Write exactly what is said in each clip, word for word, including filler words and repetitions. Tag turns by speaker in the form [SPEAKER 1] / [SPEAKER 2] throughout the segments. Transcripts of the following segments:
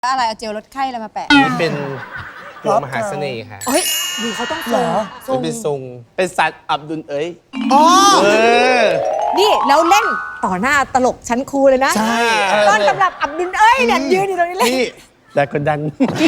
[SPEAKER 1] อะไรเอาเจลลดไข้อะไรมาแปะ
[SPEAKER 2] นี่เป็นดวงมหาเสน่ห์ค่ะ
[SPEAKER 1] เฮ้ยดูเขาต้องเหรอ
[SPEAKER 2] มันเป็นทรงเป็นสัตว์อับดุลเอ้ย
[SPEAKER 1] อ๋อ
[SPEAKER 2] เออ
[SPEAKER 1] นี่แล้วเล่นต่อหน้าตลกชั้นครูเลยนะ
[SPEAKER 2] ใช่
[SPEAKER 1] ต้นตำรับอับดุลเอ้ยเนี่ยยืนอยู่ตรงนี้เลย
[SPEAKER 2] นี่แต่กดดัน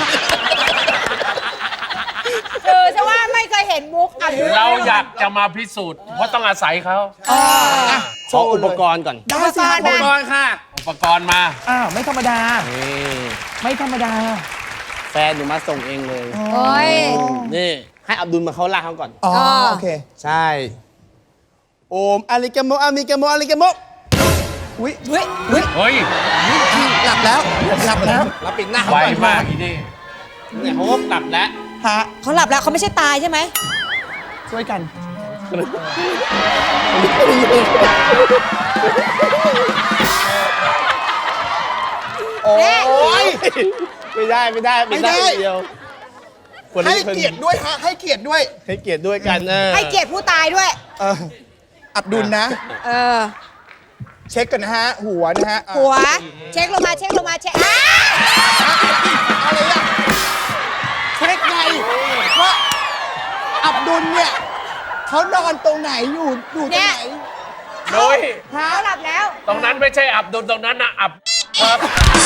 [SPEAKER 1] เออใช่ว่าไม่เคยเห็นมุกอับดุล
[SPEAKER 3] เราอยากจะมาพิสูจน์เพราะต้องอาศัยเขา
[SPEAKER 2] ขออุปกรณ์ก่อน
[SPEAKER 4] ได้สิครับ
[SPEAKER 2] อุปกรณ์ค่ะ
[SPEAKER 3] อุปกรณ์มา
[SPEAKER 4] อ้าวไม่ธรรมดา
[SPEAKER 2] นี่
[SPEAKER 4] ไม่ธรรมดา
[SPEAKER 2] แฟนหนูมาส่งเองเลย
[SPEAKER 1] โอ้ย
[SPEAKER 2] นี่ให้อับดุลมาเขาลากเขาก่อน
[SPEAKER 4] อ๋อ
[SPEAKER 1] อ่า
[SPEAKER 4] โอเค
[SPEAKER 2] ใช่ โอมอาลิกาโมอามิกาโมอาลิกาโม
[SPEAKER 4] อุ้ย
[SPEAKER 1] เฮ้ยเฮ้ย
[SPEAKER 3] เฮ้ย
[SPEAKER 4] หลับแล้วหลับแล้ว
[SPEAKER 2] เราปิดหน้าเขา
[SPEAKER 3] ไว
[SPEAKER 2] ก่อน
[SPEAKER 3] มากอีนี่
[SPEAKER 2] เนี่ยเขาก็กลับแล้ว
[SPEAKER 4] ฮะ
[SPEAKER 1] เขาหลับแล้วเขาไม่ใช่ตายใช่ไหม
[SPEAKER 4] ช่วยกัน โอ้ย
[SPEAKER 2] ไม่ได้ไม่ได้ปิดหน้า
[SPEAKER 4] ไม่ได้
[SPEAKER 2] คนเดียวคน
[SPEAKER 4] ให้
[SPEAKER 2] นี้คน
[SPEAKER 4] เกียรติด้วยฮะให้เกียรติด้วย
[SPEAKER 2] ให้เกียรติด้วยกันเออ
[SPEAKER 1] ให้เกียรติผู้ตายด้วย
[SPEAKER 4] เอออับดุลนะ
[SPEAKER 1] เออ
[SPEAKER 4] เช็คกันนะฮะ หัวนะฮะอ่ะ
[SPEAKER 1] หัวเช็คลงมาเช็คลงมาเช็คอ้า
[SPEAKER 4] อะไรอ่ะเช็คไงว่าอับดุลเนี่ยเขานอนตรงไหนอยู่อยู่ตรงไหน
[SPEAKER 3] โดย
[SPEAKER 4] ฮะ
[SPEAKER 1] เขาหลับแล้ว
[SPEAKER 3] ตรงนั้นไม่ใช่อับดุลตรงนั้นนะอับครับ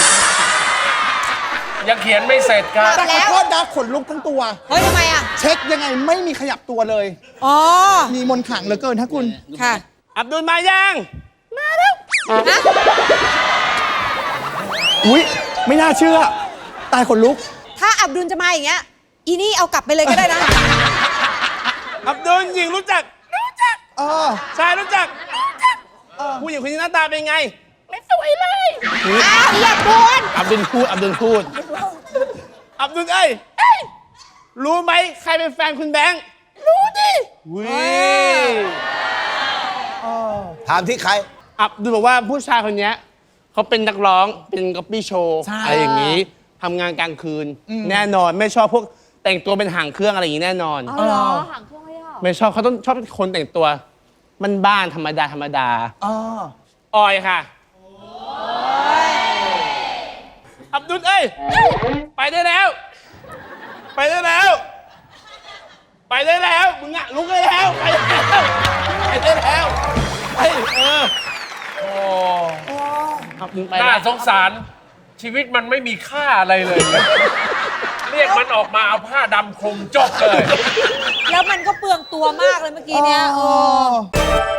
[SPEAKER 3] ยังเขียนไม่เสร็จครับ
[SPEAKER 4] แต่ขอโทษนะขนลุกทั้งตัว
[SPEAKER 1] เฮ้ยทำไมอ่ะ
[SPEAKER 4] เช็คยังไงไม่มีขยับตัวเลย
[SPEAKER 1] อ๋อ
[SPEAKER 4] มีมนต์ขลังเหลือเกินฮะคุณ
[SPEAKER 1] ค่ะ
[SPEAKER 2] อับดุลมายัง
[SPEAKER 1] ฮะ
[SPEAKER 4] อุ้ยไม่น่าเชื่อ ตายขนลุก
[SPEAKER 1] ถ้าอับดุลจะมาอย่างเงี้ยอีนี่เอากลับไปเลยก็ได้นะ
[SPEAKER 2] อับดุลหญิงรู้จัก รู้จัก
[SPEAKER 4] เออ
[SPEAKER 2] ชายรู้จัก รู้จักผู้หญิงคนนี้หน้าตาเป็นไง
[SPEAKER 1] อ้าวอย่าบูน
[SPEAKER 2] อับดุลพูด อับดุลพูด อับดุลเอ้ย รู้ไหมใครเป็นแฟนคุณแบงค์ รู้ดิวิ
[SPEAKER 5] ถามที่ใคร
[SPEAKER 2] อับดุลบอกว่าผู้ชายคนเนี้ยเขาเป็นนักร้อง เป็นก๊อปปี้โชว์
[SPEAKER 4] ใช่
[SPEAKER 2] อะไรอย่างนี้ทำงานกลางคืน แน่นอนไม่ชอบพวกแต่งตัวเป็นหางเครื่องอะไรอย่างนี้แน่นอน
[SPEAKER 1] เอาเหรอหางเครื่องไม่ได้หรอ
[SPEAKER 2] ไม่ชอบเขาต้องชอบคนแต่งตัว มันบ้านธรรมดาธรรมดา
[SPEAKER 4] อ๋อ
[SPEAKER 2] ออยค่ะ อับดุลเอ้ย ไปได้แล้ว ไปได้แล้ว ไปได้แล้ว มึงอะลุกได้แล้ว ไปได้แล้ว ไปได้แล้วไปเออ
[SPEAKER 3] โอ้
[SPEAKER 2] อับดุลไป
[SPEAKER 3] น่า
[SPEAKER 2] แล้ว
[SPEAKER 3] สงสาร ชีวิตมันไม่มีค่าอะไรเลย เรียกมันออกมาเอาผ้าดำคลุมจบเลย
[SPEAKER 1] แล้วมันก็เปลืองตัวมากเลยเมื่อกี้เนี้ย
[SPEAKER 4] อ๋
[SPEAKER 1] เอ
[SPEAKER 4] อ
[SPEAKER 1] อ